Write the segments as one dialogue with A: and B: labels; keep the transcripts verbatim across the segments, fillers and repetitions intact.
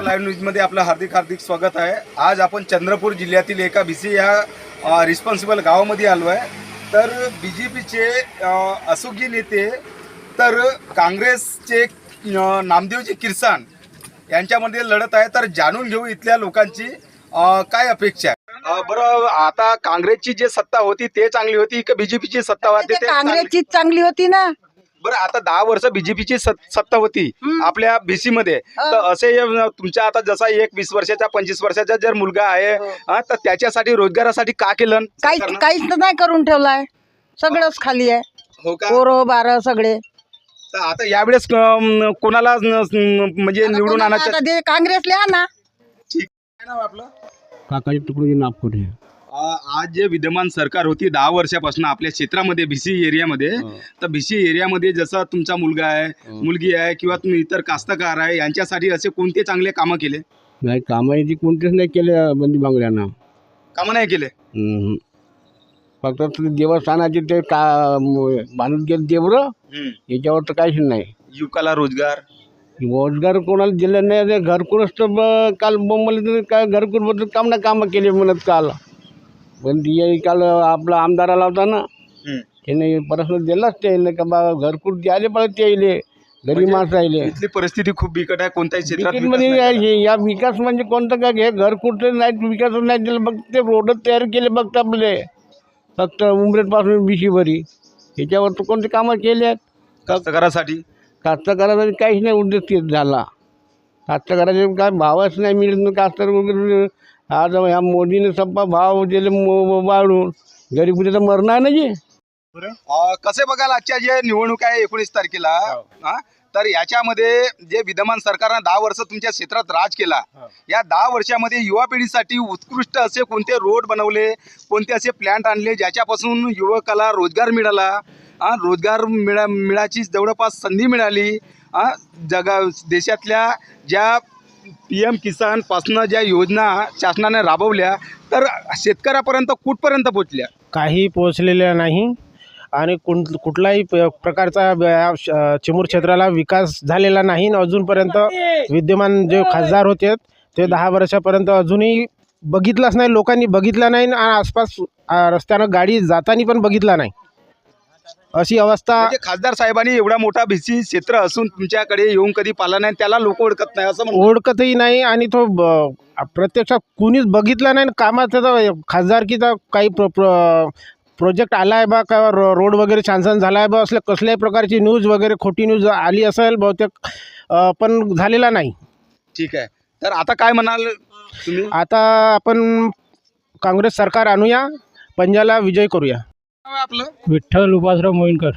A: Live न्यूजमध्ये आपलं हार्दिक हार्दिक स्वागत आहे। आज आपण चंद्रपूर जिल्ह्यातील एका बीसी या रिस्पॉन्सिबल गावामध्ये आलो आहे। तर बीजेपीचे असोगी नेते तर काँग्रेसचे नामदेवजी किरसान यांच्यामध्ये लढत आहे। तर जाणून घेऊ इथल्या लोकांची काय अपेक्षा आहे। बरं, आता काँग्रेसची जे सत्ता होती ते चांगली होती की बीजेपीची सत्ता होती? ते
B: काँग्रेसची चांगली होती ना।
A: बरं, आता दहा वर्ष बीजेपीची सत्ता होती आपल्या बीसी मध्ये, तर असे तुमच्या आता जसा एक वीस वर्षाचा पंचवीस वर्षाचा जर मुलगा आहे तर त्याच्यासाठी रोजगारासाठी का केलं?
B: काहीच काहीच तर नाही करून ठेवलाय, सगळंच खाली आहे।
A: हो का?
B: पोरं बारं सगळे।
A: तर आता यावेळेस कोणाला म्हणजे निवडून आणायचं?
B: आता ते काँग्रेसला आणा।
A: ठीक, काय नाव आपलं?
C: काकाजी तुकडोजी नागपूर।
A: आज जे विद्यमान सरकार होती दहा वर्षापासून आपल्या क्षेत्रामध्ये बीसी एरियामध्ये, तर बीसी एरियामध्ये जसा तुमचा मुलगा आहे, मुलगी आहे किंवा तुम्ही इतर कास्तकार आहे, यांच्यासाठी असे कोणते चांगले कामं केले?
C: नाही, कामाची कोणतेच नाही केले बंदी बांगड्यांना।
A: कामं नाही केले?
C: फक्त देवस्थानाचे ते का बांधून गेले देवरं, याच्यावर तर काहीच नाही।
A: युवकाला रोजगार
C: रोजगार कोणाला दिले नाही। घरकुलच तर काल बोंबले काय घरकुलबद्दल काम ना कामं केले म्हणत काल, पण ती काल आपला आमदाराला होता ना, त्याने परत दिलाच त्याला का बा घरकुल द्यायला पाहिजे त्याला, गरीब माणसं राहिले।
A: इथली परिस्थिती खूप बिकट आहे, कोणत्याही क्षेत्रात
C: म्हणजे या विकास म्हणजे कोणतं काय हे घरकुल नाही, विकास नाही दिलं, बघ ते रोड तयार केले बघत आपले फक्त उमरेडपासून बिशीभरी, ह्याच्यावर तर कोणते कामं केले आहेत
A: कास्तकारासाठी?
C: कास्तकारासाठी काहीच नाही उद्देश झाला। कास्तकाराचे काय भावच नाही मिळत, कास्तकार वगैरे आज ह्या मोदीने सप्पा भाव दिले वाढून, गरीबी तर मरणार नाही।
A: कसे बघाल आजच्या जे निवडणूक आहे एकोणीस तारखेला, तर याच्यामध्ये जे विद्यमान सरकारनं दहा वर्ष तुमच्या क्षेत्रात राज केला, या दहा वर्षामध्ये युवा पिढीसाठी उत्कृष्ट असे कोणते रोड बनवले, कोणते असे प्लॅन्ट आणले ज्याच्यापासून युवकाला रोजगार मिळाला, रोजगार मिळा मिळाची जवळपास संधी मिळाली, जगा देशातल्या ज्या पी एम किसान पासनं ज्या योजना शासनाने राबवल्या तर शेतकऱ्यापर्यंत कुठपर्यंत पोहोचल्या? काही
D: पोहोचलेल्या नाही आणि कुठ कुठलाही प्रकारचा चिमूर क्षेत्राला विकास झालेला नाही। अजूनपर्यंत विद्यमान जे खासदार होते ते दहा वर्षापर्यंत अजूनही बघितलंच नाही, लोकांनी बघितलं नाही आणि आसपास रस्त्यानं गाडी जाताना पण बघितला नाही, अशी अवस्था।
A: म्हणजे खासदार साहेबांनी एवढा मोठा बीसी क्षेत्र असून तुमच्याकडे येऊन कधी पाला नाही, त्याला लोक ओळखत नाही असं?
D: ओळखतही नाही आणि तो प्रत्यक्षात कुणीच बघितला नाही कामाचा। खासदारकीचा काही प्र प्रोजेक्ट आला आहे बा का, रोड वगैरे छान छान झाला आहे बा, असल्या कसल्याही प्रकारची न्यूज वगैरे खोटी न्यूज आली असेल बहुतेक, पण झालेला नाही।
A: ठीक आहे, तर आता काय म्हणाल तुम्ही?
D: आता आपण काँग्रेस सरकार आणूया, पंजाला विजय करूया।
A: आपलं
D: विठ्ठल उपासराव मोहिनकर।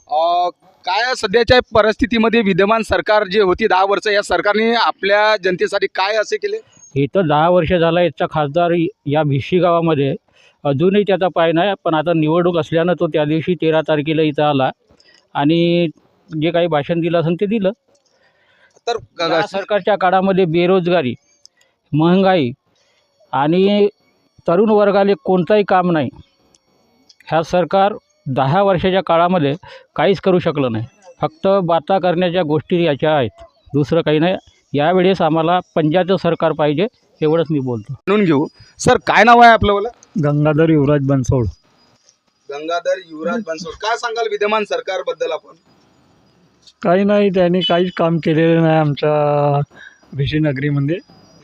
A: काय सध्याच्या परिस्थितीमध्ये विद्यमान सरकार जे होती दहा वर्ष, या सरकारने आपल्या जनतेसाठी काय असे केले?
E: इथं दहा वर्ष झाला याचा खासदार या भिशी गावामध्ये, अजूनही त्याचा पाय नाही, पण आता निवडणूक असल्यानं तो त्या दिवशी तेरा तारखेला इथं आला आणि जे काही भाषण दिलं असेल ते दिलं।
A: तर
E: या सरकारच्या काळामध्ये बेरोजगारी, महागाई आणि तरुण वर्गाला कोणताही काम नाही। ह्या सरकार दहा वर्षाच्या काळामध्ये काहीच करू शकलं नाही, फक्त बाता करण्याच्या गोष्टी याच्या आहेत, दुसरं काही नाही। यावेळेस आम्हाला पंजाचं सरकार पाहिजे, एवढंच मी बोलतो।
A: म्हणून घेऊ सर, काय नाव आहे आपलं? मला
D: गंगाधर युवराज बनसोड।
A: गंगाधर युवराज बनसोड, काय सांगाल विद्यमान सरकार बद्दल आपण?
D: काही नाही, त्यांनी काहीच काम केलेलं नाही आमच्या भिशी नगरीमध्ये,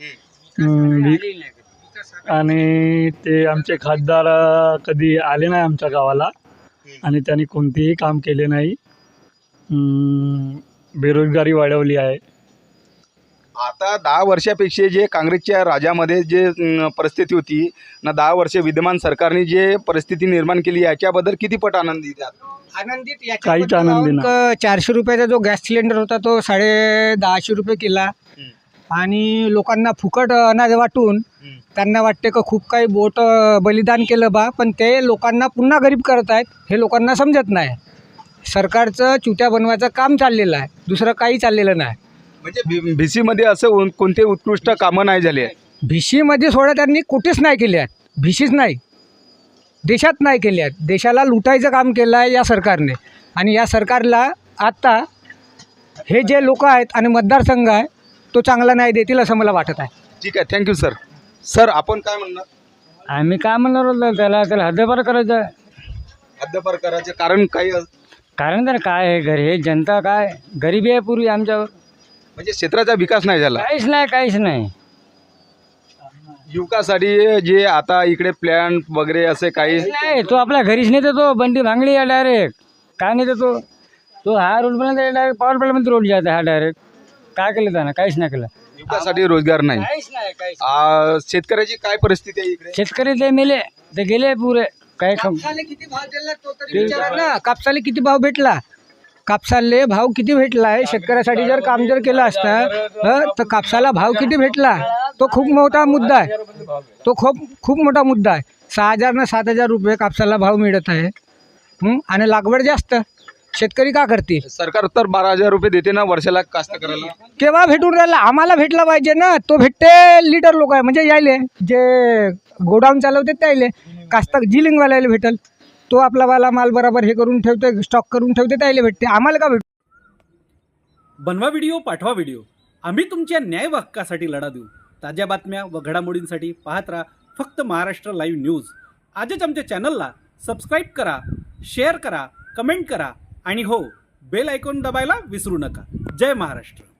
D: आणि ते आमचे खासदार कधी आले नाही आमच्या गावाला आणि त्यांनी कोणतेही काम केले नाही। बेरोजगारी वाढवली आहे।
A: आता दहा वर्षापेक्षा जे काँग्रेसच्या राज्यामध्ये जे परिस्थिती होती ना, दहा वर्षे विद्यमान सरकारने जे परिस्थिती निर्माण केली याच्याबद्दल किती पट आनंदी आहात?
B: आनंदित
D: काहीच आनंदी नाही।
B: चारशे रुपयाचा जो गॅस सिलेंडर होता तो साडे दहाशे रुपये केला आणि लोकांना फुकट अनाज वाटून त्यांना वाटते का खूप काही बोट बलिदान केलं बा, पण ते लोकांना पुन्हा गरीब करत आहेत, हे लोकांना समजत नाही। सरकारचं चुत्या बनवायचं काम चाललेलं आहे, दुसरं काही चाललेलं नाही।
A: म्हणजे भिसीमध्ये असं कोणते उत्कृष्ट कामं नाही झाले?
B: भिशीमध्ये सोडा त्यांनी कुठेच नाही केले आहेत, भिशीच नाही, देशात नाही केले आहेत। देशाला लुटायचं काम केलं आहे या सरकारने, आणि या सरकारला आता हे जे लोक आहेत आणि मतदारसंघ आहे तो चांगला नाही देतील असं मला वाटत आहे.
A: ठीक आहे, थँक्यू सर. सर आपण काय म्हणणार?
B: आम्ही काय म्हणणार होतो त्याला त्याला हद्दपार करायचं आहे.
A: हद्दपार करायचे कारण काही
B: कारण तर काय आहे घरी हे जनता काय गरिबी आहे पूर्वी आमच्यावर.
A: म्हणजे क्षेत्राचा विकास नाही झाला.
B: काहीच नाही काहीच नाही.
A: युवकासाठी जे आता इकडे प्लॅन वगैरे असे काही
B: नाही तो आपल्या घरीच नाही तो बंडी भांगडी आहे डायरेक्ट. काय नाही तो तो हा रोड बनवला डायरेक्ट पॉवर प्लॅनमध्ये रोड जात हा डायरेक्ट. काय केलं त्यानं? काहीच नाही केलं.
A: युवकासाठी रोजगार नाही.
B: काहीच नाही काहीच.
A: आ, शेतकऱ्याची काय परिस्थिती आहे इकडे?
B: शेतकरी ते मेले ते गेले पुरे. काय किती भाव दिला तो तरी विचारा ना. कापसाला किती भाव भेटला? कापसाले भाव किती भेटला आहे? शेतकऱ्यासाठी जर काम जर केलं असतं तर कापसाला भाव किती भेटला तो खूप मोठा मुद्दा आहे. तो खूप खूप मोठा मुद्दा आहे. सहा हजार ना सात हजार रुपये कापसाला भाव मिळत आहे. हं? आणि लागवड जास्त. शेतकरी का करतील?
A: सरकार तर बारा हजार रुपये देते ना वर्षाला कास्तकऱ्याला.
B: केव्हा भेटून राहिला? आम्हाला भेटला पाहिजे ना. तो भेटते लीडर लोक आहे म्हणजे यायले जे गोडाऊन चालवते त्यायले. कास्त जिलिंगवाल्याला भेटल. तो आपला वाला माल बरोबर हे करून ठेवते स्टॉक करून ठेवते त्यायले भेटते. आम्हाला का भेट?
F: बनवा व्हिडिओ, पाठवा व्हिडिओ. आम्ही तुमच्या न्याय व हक्कासाठी लढा देऊ. ताज्या बातम्या व घडामोडींसाठी पाहत राहा फक्त महाराष्ट्र लाईव्ह न्यूज. आजच आमच्या चॅनलला सबस्क्राईब करा, शेअर करा, कमेंट करा आणि हो बेल आयकॉन दबायला विसरू नका. जय महाराष्ट्र.